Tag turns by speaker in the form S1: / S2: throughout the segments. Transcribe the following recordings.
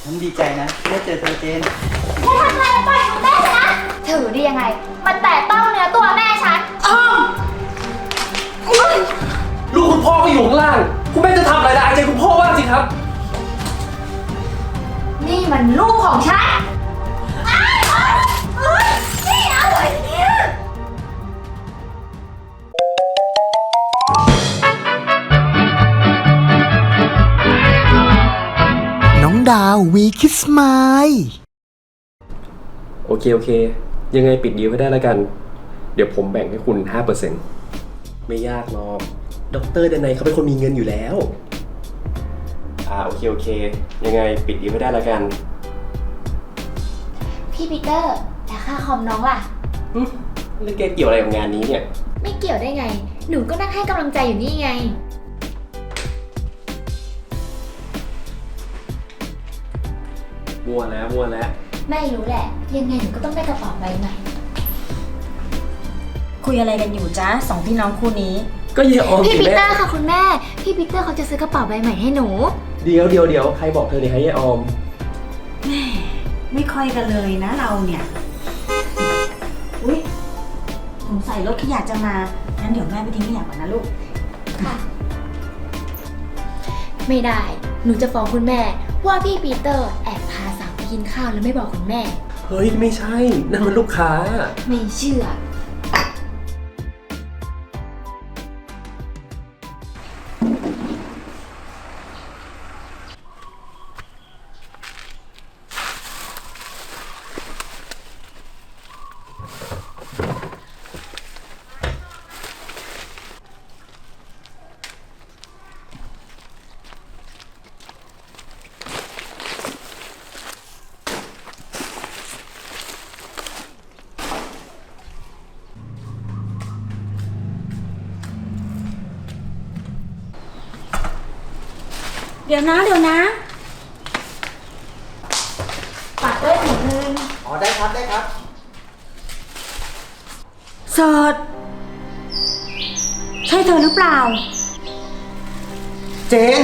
S1: ฉันดีใจนะได้เจอเธอเจน
S2: แค่ทำอะไรปล่อยของแม่ฉันนะถือได้ยังไงมันแตะต้องเนื้อตัวแม่ฉัน
S3: ลูกคุณพ่อก็อยู่ข้างล่างคุณแม่จะทำอะไรได้ใจคุณพ่อบ้างสิครับ
S2: นี่มันลูกของฉันนี่อะไรเนี่ย
S4: น้องดาววีคิสไมล์
S3: โอเคยังไงปิดดีลให้ได้แล้วกัน เดี๋ยวผมแบ่งให้คุณ 5%ไม่ยากหรอกดร.ดนัยเขาเป็นคนมีเงินอยู่แล้วโอเคยังไงปิดดีลให้ได้แล้วกัน
S2: พี่ปีเตอร์แต่ค่าคอมน้องล่ะ
S3: แล้วแกเกี่ยวอะไรกับงานนี้เนี่ย
S2: ไม่เกี่ยวได้ไงหนูก็นั่งให้กำลังใจอยู่นี่ไง
S3: มัวแล้ว
S2: ไม่รู้แหละยังไงหนูก็ต้องได้กระเป๋าใบใหม่
S5: คุยอะไรกันอยู่จ๊ะสองพี่น้องคู่นี้
S3: ก็เยออม
S2: พี่
S3: สิ
S2: ปี
S3: แม่
S2: เตอร์ค่ะคุณแม่พี่ปีเตอร์เขาจะซื้อกระเป๋าใบใหม่ให้หนู
S3: เดี๋ยวใครบอกเธอเนี่ยให้ยายออม
S5: ไม่ค่อยกันเลยนะเราเนี่ยอุ๊ยสงสัยรถขยะจะมางั้นเดี๋ยวแม่ไปทิ้งขยะก่อนนะลูก
S2: ค่ะไม่ได้หนูจะฟ้องคุณแม่ว่าพี่ปีเตอร์แอบพาสาวไปกินข้าวแล้วไม่บอกคุณแม่
S3: เฮ้ยไม่ใช่นั่นมันลูกค้า
S2: ไม่เชื่อ
S5: เดี๋ยวนะ
S2: ฝากด้วยถุงนึง
S1: อ๋อได้ครับ
S5: เสิร์ชใช่เธอหรือเปล่า
S1: เจน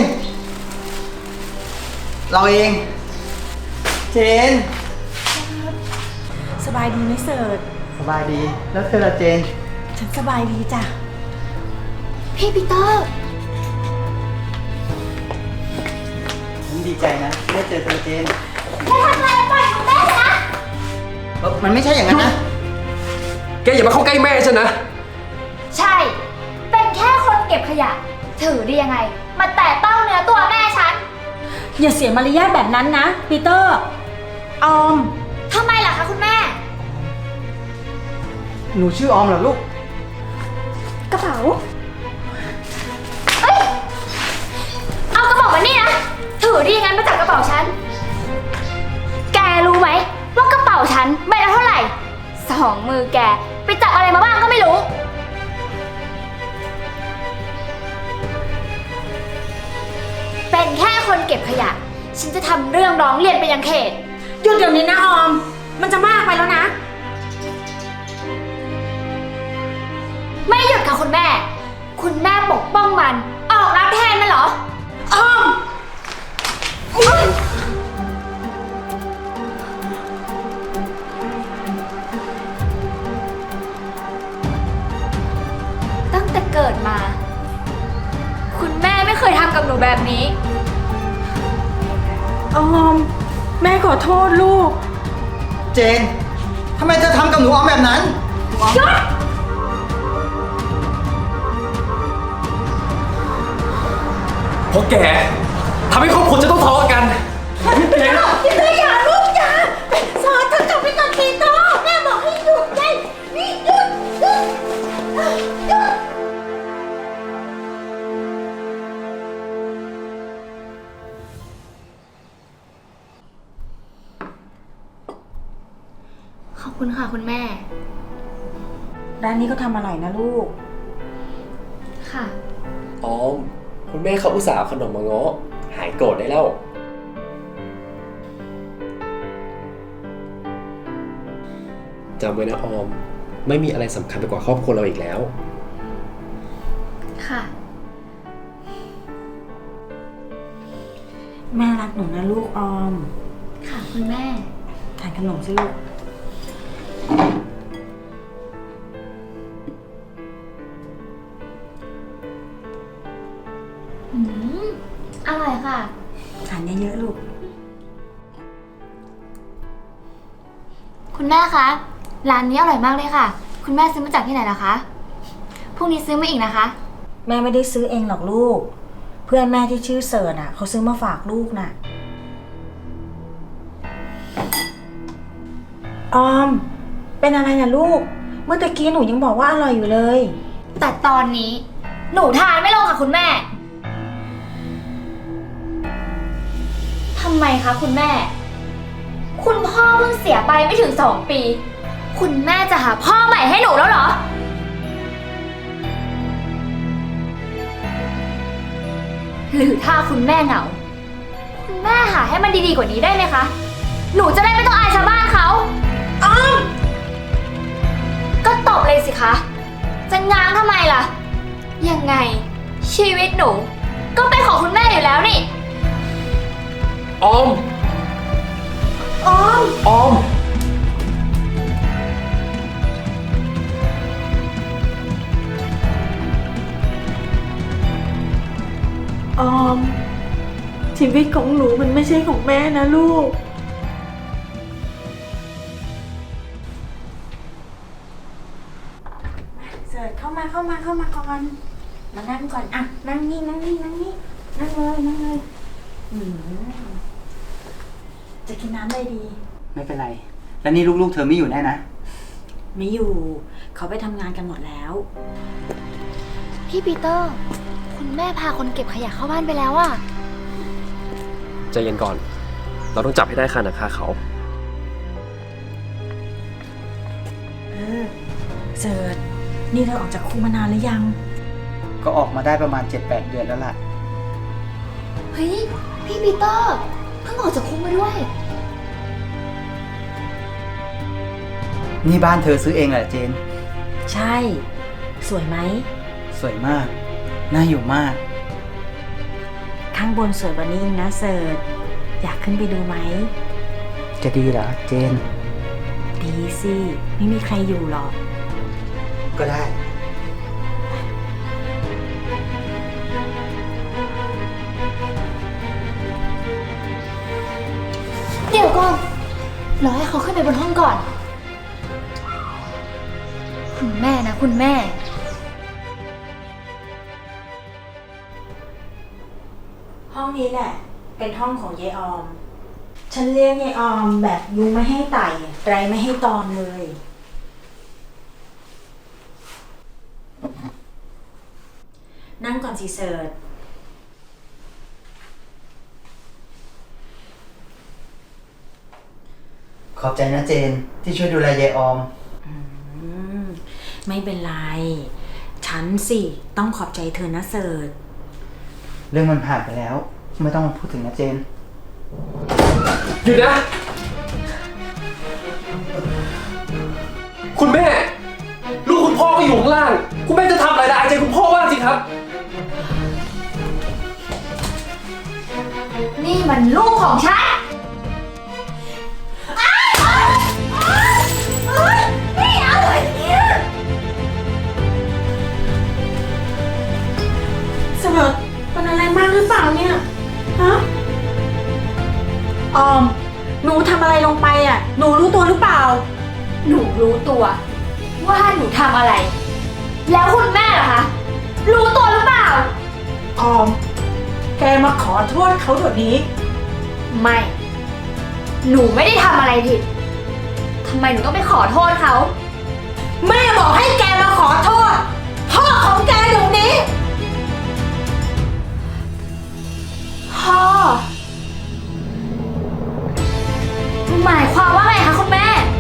S1: เราเอง เจน
S5: สบายดีไหมเสิร์ช
S1: สบายดีแล้วเธอละเจน
S5: ฉันสบายดีจ้ะ
S2: พี่ปีเตอร์
S1: ฉันดีใจนะได้เจอเธอเจน
S2: แค่ทำอะไรปล่อยของแม่ฉันนะ
S1: มันไม่ใช่อย่างนั้นนะ
S3: แกอย่ามาเข้าใกล้แม่ฉันนะ
S2: ใช่ เป็นแค่คนเก็บขยะ ถือได้ยังไงมาแตะต้องเนื้อตัวแม่ฉัน
S5: อย่าเสียมารยาทแบบนั้นนะปีเตอร์ออม
S2: ทำไมล่ะคะคุณแม่
S1: หนูชื่อออมเหรอลูก
S2: กระเป๋าเอ้ย เอากระเป๋ามานี่นะ ถือได้ยังไงมาจากกระเป๋าฉัน แกรู้ไหมว่ากระเป๋าฉันใบละเท่าไหร่สองมือแกไปจับอะไรมาบ้างก็ไม่รู้ เป็นแค่คนเก็บขยะ ฉันจะทำเรื่องร้องเรียนไปยังเขต
S5: หยุดเดี๋ยวนี้นะออม มันจะมากไปแล้วนะ
S2: ไม่หยุดค่ะคุณแม่ คุณแม่ปกป้องมัน ออกรับแทนมันเหรอ
S5: ออม
S2: ตั้งแต่เกิดมา คุณแม่ไม่เคยทำกับหนูแบบนี้
S5: ออม แม่ขอโทษลูก
S1: เจนทำไมเธอทำกับหนูออมแบบนั้น
S2: หยุด
S3: เพราะแกทำให้ครอบครัวจะต้องทะเลาะกันแก
S5: ปีเตอร์อย่าลูกอย่าสอนเธอกลับไปก่อนปีเตอร์แม่บอกให้หยุดไงนี่หยุด
S2: ขอบคุณค่ะคุณแม่
S5: ร้านนี้ก็ทำอร่อยนะลูก
S2: ค่ะ
S3: ออมคุณแม่เขาอุตส่าห์เอาขนมมาง้อหายโกรธได้แล้วจำไว้นะออม ไม่มีอะไรสำคัญไปกว่าครอบครัวเราอีกแล้ว
S2: ค่ะ
S5: แม่รักหนูนะลูกออม
S2: ค่ะคุณแม่
S5: ทานขนมสิลูก
S2: อืม อร่อยค่ะ
S5: ทานเยอะๆลูก
S2: คุณแม่คะ ร้านนี้อร่อยมากเลยค่ะ คุณแม่ซื้อมาจากที่ไหนล่ะคะ พรุ่งนี้ซื้อมาอีกนะคะ
S5: แม่ไม่ได้ซื้อเองหรอกลูก เพื่อนแม่ที่ชื่อเสิร์ชเขาซื้อมาฝากลูกน่ะ ออม เป็นอะไรนะลูก เมื่อตะกี้หนูยังบอกว่าอร่อยอยู่เลย
S2: แต่ตอนนี้หนูทานไม่ลงค่ะคุณแม่ ทำไมคะคุณแม่ คุณพ่อเพิ่งเสียไปไม่ถึง2 ปี คุณแม่จะหาพ่อใหม่ให้หนูแล้วเหรอ หรือถ้าคุณแม่เหงา คุณแม่หาให้มันดีๆกว่านี้ได้ไหมคะ หนูจะได้ไม่ต้องอายชาวบ้านเขาอ้อมก็ตบเลยสิคะ จะง้างทำไมล่ะ ยังไง ชีวิตหนู ก็เป็นของคุณแม่อยู่แล้วนี่
S3: ออม
S5: ออม
S3: ออม
S6: ออม ชีวิตของหนูมันไม่ใช่ของแม่นะลูก
S5: เสิร์ชเข้ามาก่อน มานั่งก่อนอ่ะนั่งนี่นั่งเลยนั่งเลยจะกินน้ำอะไรดี
S1: ไม่เป็นไร แล้วนี่ลูกๆเธอไม่อยู่แน่นะ
S5: ไม่อยู่ เขาไปทำงานกันหมดแล้ว
S2: พี่ปีเตอร์ คุณแม่พาคนเก็บขยะเข้าบ้านไปแล้วอะ
S3: ใจเย็นก่อน เราต้องจับให้ได้คาหนังคาเขา
S5: เสิร์ชนี่เธอออกจากคุกมานานหรือยัง
S1: ก็ออกมาได้ประมาณ 7-8 เดือนแล้วล่ะ
S2: เฮ้ย พี่ปีเตอร์ เพิ่งออกจากคุกมาด้วย
S1: นี่บ้านเธอซื้อเองแหละเจน
S5: ใช่ สวยไหม
S1: สวยมาก น่าอยู่มาก
S5: ข้างบนสวยกว่านี้อีกนะเสิร์ชอยากขึ้นไปดูไหม
S1: จะดีเหรอเจน
S5: ดีสิ ไม่มีใครอยู่หรอก
S1: ก็ได้
S2: เดี๋ยวก่อน รอให้เขาขึ้นไปบนห้องก่อน คุณแม่นะคุณแม่
S5: ห้องนี้แหละ เป็นห้องของยายออม ฉันเลี้ยงยายออมแบบยุงไม่ให้ไต่ไรไม่ให้ตอมเลย นั่งก่อนสิเสิร์ช
S1: ขอบใจนะเจนที่ช่วยดูแลยายออม
S5: ไม่เป็นไร ฉันสิต้องขอบใจเธอนะเสิร์ช
S1: เรื่องมันผ่านไปแล้ว ไม่ต้องมาพูดถึงนะเจน
S3: หยุดนะ คุณแม่ ลูกคุณพ่อก็อยู่ข้างล่าง คุณแม่จะทำอะไรได้อายใจคุณพ่อบ้างสิครับ
S2: นี่มันลูกของฉันไม่เอาเลยเนี่ย
S6: เสิร์ชเป็นอะไรมากหรือเปล่าเนี่ย ฮะ ออม หนูทำอะไรลงไปอ่ะ หนูรู้ตัวหรือเปล่า
S2: หนูรู้ตัวว่าหนูทำอะไร แล้วคุณแม่ล่ะคะ รู้ตัวหรือเปล่า
S6: ออม แกมาขอโทษเขาเดี๋ยวนี้
S2: ไม่ หนูไม่ได้ทำอะไรผิด ทำไมหนูต้องไปขอโทษเขา
S6: แม่บอกให้แกมาขอโทษ พ่อของแกเดี๋ยวนี้
S2: พ่อ หมายความว่าไงคะคุณแม่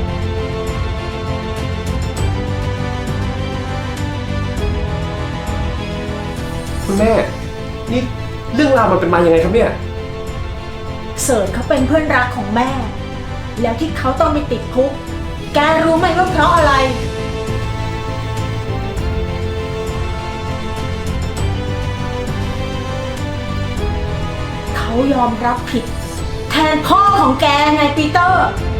S3: คุณแม่ นี่เรื่องราวมันเป็นมายังไงครับเนี่ย
S6: เสิร์ชเขาเป็นเพื่อนรักของแม่ แล้วที่เขาต้องไปติดคุก แกรู้ไหมว่าเพราะอะไร เขายอมรับผิดแทนพ่อของแกไงปีเตอร์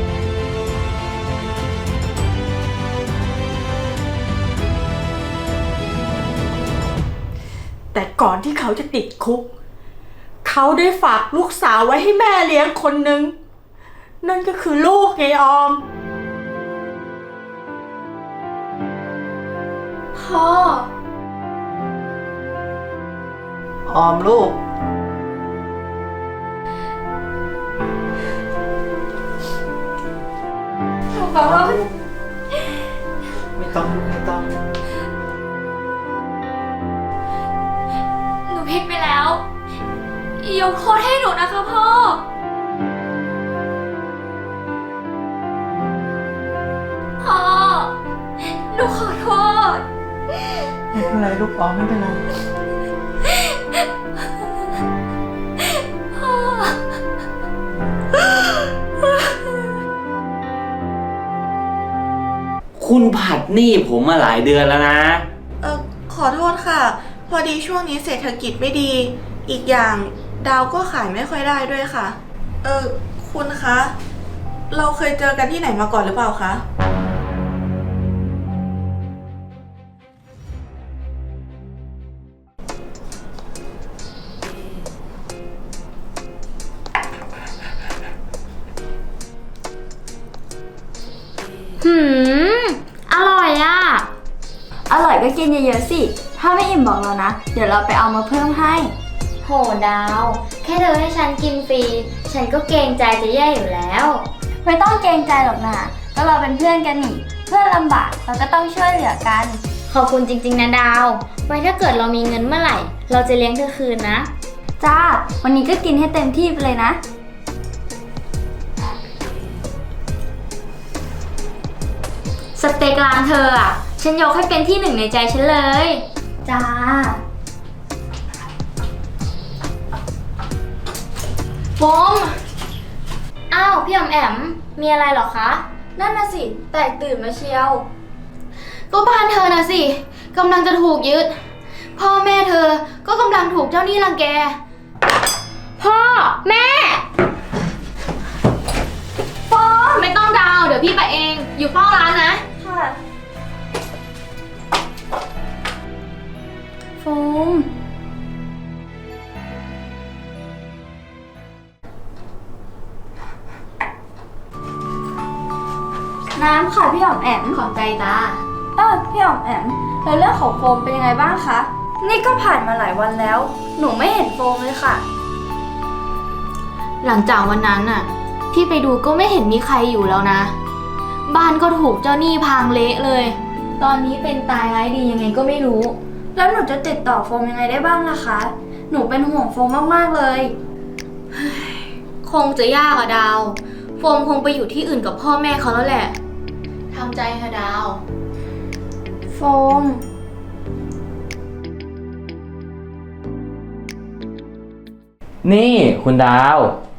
S6: แต่ก่อนที่เขาจะติดคุก เขาได้ฝากลูกสาวไว้ให้แม่เลี้ยงคนหนึ่งนั่นก็คือลูกไงออม
S2: พ่อ
S1: ออมลูก
S2: หนูขอโทษ
S1: ไม่ต้องลูกไม่ต้อง
S2: หนูผิดไปแล้ว ยกโทษให้หนูนะคะพ่อ พ่อ หนูขอโทษ
S1: ไม่เป็นไรลูกออมไม่เป็นไร
S7: คุณผัดหนี้ผมมาหลายเดือนแล้วนะ
S8: ขอโทษค่ะ พอดีช่วงนี้เศรษฐกิจไม่ดี อีกอย่างดาวก็ขายไม่ค่อยได้ด้วยค่ะ คุณคะ เราเคยเจอกันที่ไหนมาก่อนหรือเปล่าคะ
S2: หืม อร่อยอ่ะ
S9: อร่อยก็กินเยอะๆสิ ถ้าไม่อิ่มบอกเรานะ เดี๋ยวเราไปเอามาเพิ่มให้
S2: โหดาว แค่เธอให้ฉันกินฟรี ฉันก็เกรงใจจะแย่อยู่แล้ว
S9: ไม่ต้องเกรงใจหรอกนะก็เราเป็นเพื่อนกันนี่ เพื่อนลำบากเราก็ต้องช่วยเหลือกัน
S2: ขอบคุณจริงๆนะดาว ไว้ถ้าเกิดเรามีเงินเมื่อไหร่ เราจะเลี้ยงเธอคืนนะ
S9: จ้า วันนี้ก็กินให้เต็มที่ไปเลยนะ
S2: สเต็กร้านเธออ่ะ ฉันยกให้เป็นที่หนึ่งในใจฉันเลย
S9: จ้า
S2: โฟมอ้าวพี่อมแอม มีอะไรเหรอคะ
S9: นั่นน่ะสิ แตกตื่นมาเชียว
S2: ก็บ้านเธอนะสิกำลังจะถูกยึด พ่อแม่เธอก็กำลังถูกเจ้าหนี้รังแก พ่อแม่โฟมไม่ต้องดาว เดี๋ยวพี่ไปเอง อยู่เฝ้าร้านนะ
S9: ค่ะ โฟม น้ำค่ะพี่หอมแอม
S2: ขอบใจจ้า
S9: พี่หอมแอมแล้วเรื่องของโฟมเป็นยังไงบ้างคะ นี่ก็ผ่านมาหลายวันแล้ว หนูไม่เห็นโฟมเลยค่ะ
S2: หลังจากวันนั้นน่ะ พี่ไปดูก็ไม่เห็นมีใครอยู่แล้วนะ บ้านก็ถูกเจ้าหนี้พังเละเลย ตอนนี้เป็นตายร้ายดียังไงก็ไม่รู้
S9: แล้วหนูจะติดต่อโฟมยังไงได้บ้างล่ะคะ หนูเป็นห่วงโฟมมากๆเลย
S2: คงจะยากอะดาว โฟมคงไปอยู่ที่อื่นกับพ่อแม่เขาแล้วแหละทำใจค่ะดาว
S9: โฟม
S7: นี่คุณดาว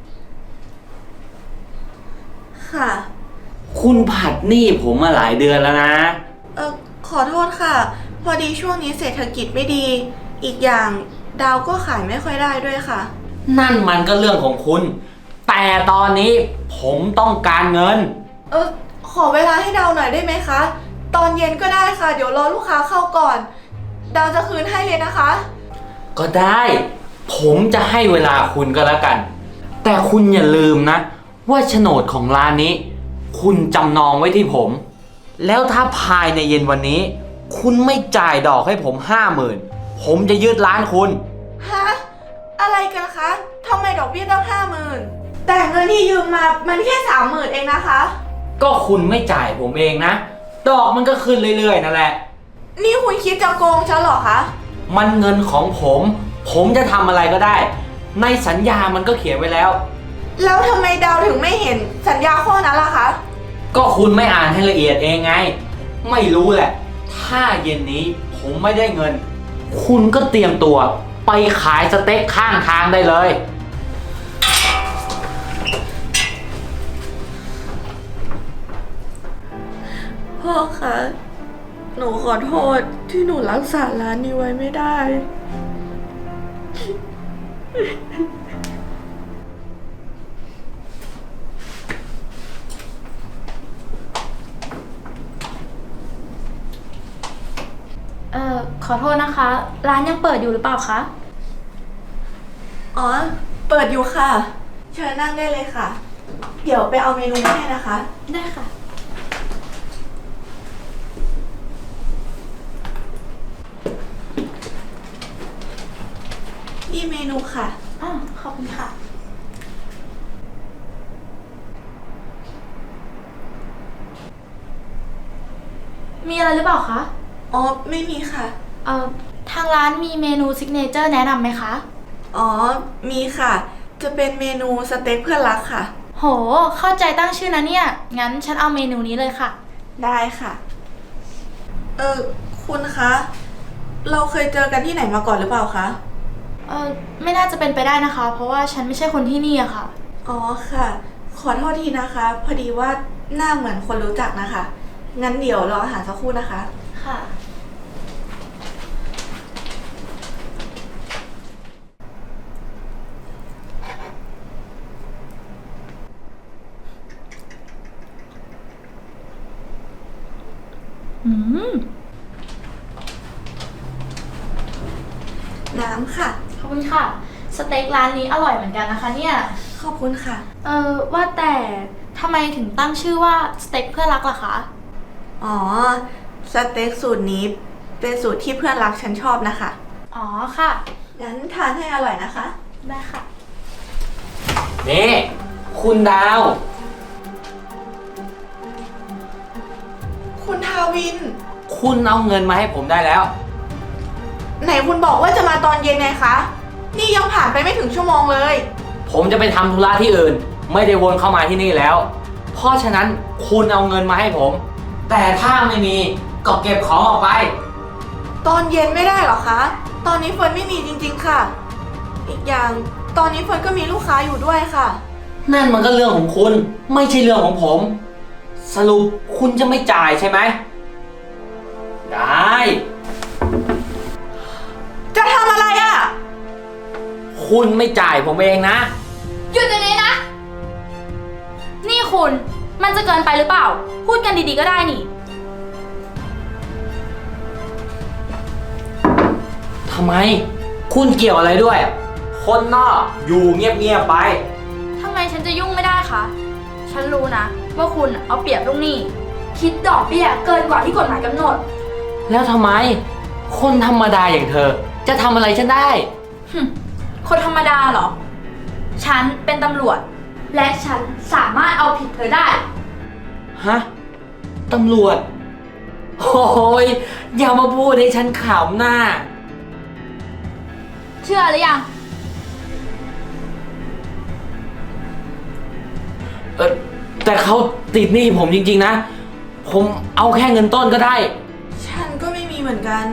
S8: ค่ะ
S7: คุณผัดหนี้ผมมาหลายเดือนแล้วนะ
S8: ขอโทษค่ะ พอดีช่วงนี้เศรษฐกิจไม่ดี อีกอย่างดาวก็ขายไม่ค่อยได้ด้วยค่ะ
S7: นั่นมันก็เรื่องของคุณ แต่ตอนนี้ผมต้องการเงิน
S8: ขอเวลาให้ดาวหน่อยได้ไหมคะ ตอนเย็นก็ได้ค่ะ เดี๋ยวรอลูกค้าเข้าก่อน ดาวจะคืนให้เลยนะคะ
S7: ก็ได้ ผมจะให้เวลาคุณก็แล้วกัน แต่คุณอย่าลืมนะ ว่าโฉนดของร้านนี้ คุณจำนองไว้ที่ผม แล้วถ้าภายในเย็นวันนี้ คุณไม่จ่ายดอกให้ผม50,000ผมจะยึดร้านคุณ
S8: ฮะ อะไรกันคะทำไมดอกเบี้ยต้อง50,000แต่เงินที่ยืมมามันแค่30,000เองนะคะ
S7: ก็คุณไม่จ่ายผมเองนะ ดอกมันก็ขึ้นเรื่อยๆนั่นแหละ
S8: นี่คุณคิดจะโกงฉันเหรอคะ
S7: มันเงินของผม ผมจะทำอะไรก็ได้ ในสัญญามันก็เขียนไว้แล้ว
S8: แล้วทำไมดาวถึงไม่เห็นสัญญาข้อนั้นล่ะคะ
S7: ก็คุณไม่อ่านให้ละเอียดเองไง ไม่รู้แหละ ถ้าเย็นนี้ผมไม่ได้เงิน คุณก็เตรียมตัวไปขายสเต็กข้างทางได้เลย
S8: พ่อคะ หนูขอโทษที่หนูรักษาร้านนี้ไว้ไม่ได้
S2: พ
S9: อโทษนะคะ ร้านยังเปิดอยู่หรือเปล่าคะ
S8: อ๋อ เปิดอยู่ค่ะ เชิญนั่งได้เลยค่ะ เดี๋ยวไปเอาเมนูมาให้นะคะ
S9: ได้ค่ะ
S8: นี่เมนูค่ะ
S9: อ้าวขอบคุณค่ะ มีอะไรหรือเปล่าคะ
S8: อ๋อ ไม่มีค่ะ
S9: ทางร้านมีเมนูซิกเนเจอร์แนะนำไหมคะ
S8: อ๋อ มีค่ะ จะเป็นเมนูสเต็กเพื่อนรักค่ะ
S9: โห เข้าใจตั้งชื่อนะเนี่ย งั้นฉันเอาเมนูนี้เลยค่ะ
S8: ได้ค่ะ คุณคะ เราเคยเจอกันที่ไหนมาก่อนหรือเปล่าคะ
S9: ไม่น่าจะเป็นไปได้นะคะ เพราะว่าฉันไม่ใช่คนที่นี่อะค่ะ
S8: อ๋อค่ะ ขอโทษทีนะคะ พอดีว่าหน้าเหมือนคนรู้จักนะคะ งั้นเดี๋ยวรออาหารสักครู่นะคะ
S9: ค่ะ
S8: น้ำค่ะ
S9: ขอบคุณค่ะ สเต็กร้านนี้อร่อยเหมือนกันนะคะเนี่ย
S8: ขอบคุณค่ะ
S9: ว่าแต่ทำไมถึงตั้งชื่อว่าสเต็กเพื่อนรักล่ะคะ
S8: อ๋อ สเต็กสูตรนี้เป็นสูตรที่เพื่อนรักฉันชอบนะคะ
S9: อ๋อค่ะ
S8: งั้นทานให้อร่อยนะคะ
S9: ได้ค่ะ
S7: นี่ คุณดาว
S8: คุณทาวิน
S7: คุณเอาเงินมาให้ผมได้แล้ว
S8: ไหนคุณบอกว่าจะมาตอนเย็นไงคะ นี่ยังผ่านไปไม่ถึงชั่วโมงเลย
S7: ผมจะไปทำธุระที่อื่น ไม่ได้วนเข้ามาที่นี่แล้ว เพราะฉะนั้นคุณเอาเงินมาให้ผม แต่ถ้าไม่มีก็เก็บของออกไป
S8: ตอนเย็นไม่ได้หรอคะ ตอนนี้เฟิร์นไม่มีจริงๆค่ะ อีกอย่างตอนนี้เฟิร์นก็มีลูกค้าอยู่ด้วยค่ะ
S7: นั่นมันก็เรื่องของคุณ ไม่ใช่เรื่องของผม สรุปคุณจะไม่จ่ายใช่ไหม ได้
S8: จะทำอะไรอ่ะ
S7: คุณไม่จ่ายผมเองนะ
S9: หยุดเดี๋ยวนี้นะ นี่คุณ มันจะเกินไปหรือเปล่า พูดกันดีๆก็ได้นี่
S7: ทำไม คุณเกี่ยวอะไรด้วย คนนอกอยู่เงียบๆไป
S9: ทำไมฉันจะยุ่งไม่ได้คะ ฉันรู้นะ ว่าคุณเอาเปรียบลูกหนี้ คิดดอกเบี้ยเกินกว่าที่กฎหมายกำหนด
S7: แล้วทำไม คนธรรมดาอย่างเธอ จะทำอะไรฉันได้
S9: คนธรรมดาเหรอ ฉันเป็นตำรวจ และฉันสามารถเอาผิดเธอได้
S7: ฮะ ตำรวจ โอ้ยอย่ามาพูดให้ฉันขำหน้า
S9: เชื่อหรือยัง
S7: แต่เขาติดหนี้ผมจริงๆนะ ผมเอาแค่เงินต้นก็ได้
S8: ฉันก็ไม่มีเหมือนกัน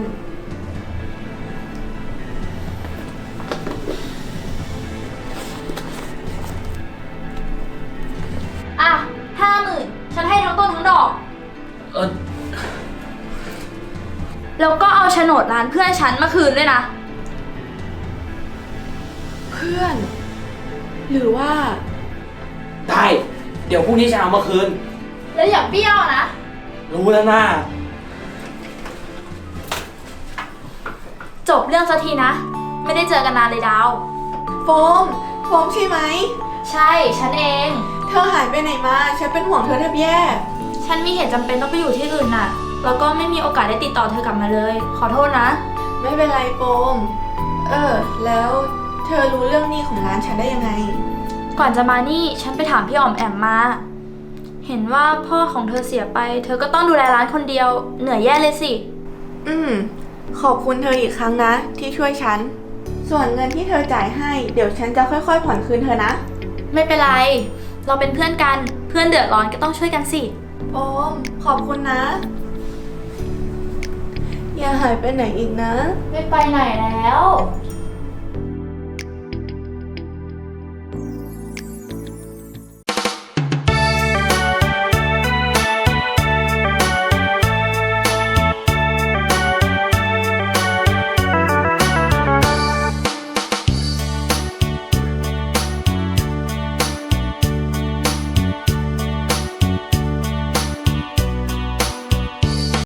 S9: อ่ะ50,000ฉันให้ทั้งต้นทั้งดอก
S7: เออ
S9: แล้วก็เอาโฉนดร้านเพื่อนฉันมาคืนด้วยนะ
S8: เพื่อน หรือว่า
S7: ได้ เดี๋ยวพรุ่งนี้ฉันเอามาคืน
S9: แล้วอย่าเบี้ยวนะ
S7: รู้แล้วนะ
S9: จบเรื่องสักทีนะ ไม่ได้เจอกันนานเลยดาว
S8: โฟมใช่ไหม
S9: ใช่ ฉันเอง
S8: เธอหายไปไหนมา ฉันเป็นห่วงเธอแทบแย่
S9: ฉันมีเหตุจำเป็นต้องไปอยู่ที่อื่นน่ะ แล้วก็ไม่มีโอกาสได้ติดต่อเธอกลับมาเลย ขอโทษนะ
S8: ไม่เป็นไรโฟมแล้วเธอรู้เรื่องหนี้ของร้านฉันได้ยังไง
S9: ก่อนจะมานี่ฉันไปถามพี่อ๋อมแอมมา เห็นว่าพ่อของเธอเสียไป เธอก็ต้องดูแลร้านคนเดียว เหนื่อยแย่เลยสิ
S8: ขอบคุณเธออีกครั้งนะ ที่ช่วยฉัน ส่วนเงินที่เธอจ่ายให้ เดี๋ยวฉันจะค่อยๆผ่อนคืนเธอนะ
S9: ไม่เป็นไร เราเป็นเพื่อนกัน เพื่อนเดือดร้อนก็ต้องช่วยกันสิ
S8: โฟมขอบคุณนะ อย่าหายไปไหนอีกนะ
S9: ไม่ไปไหนแล้ว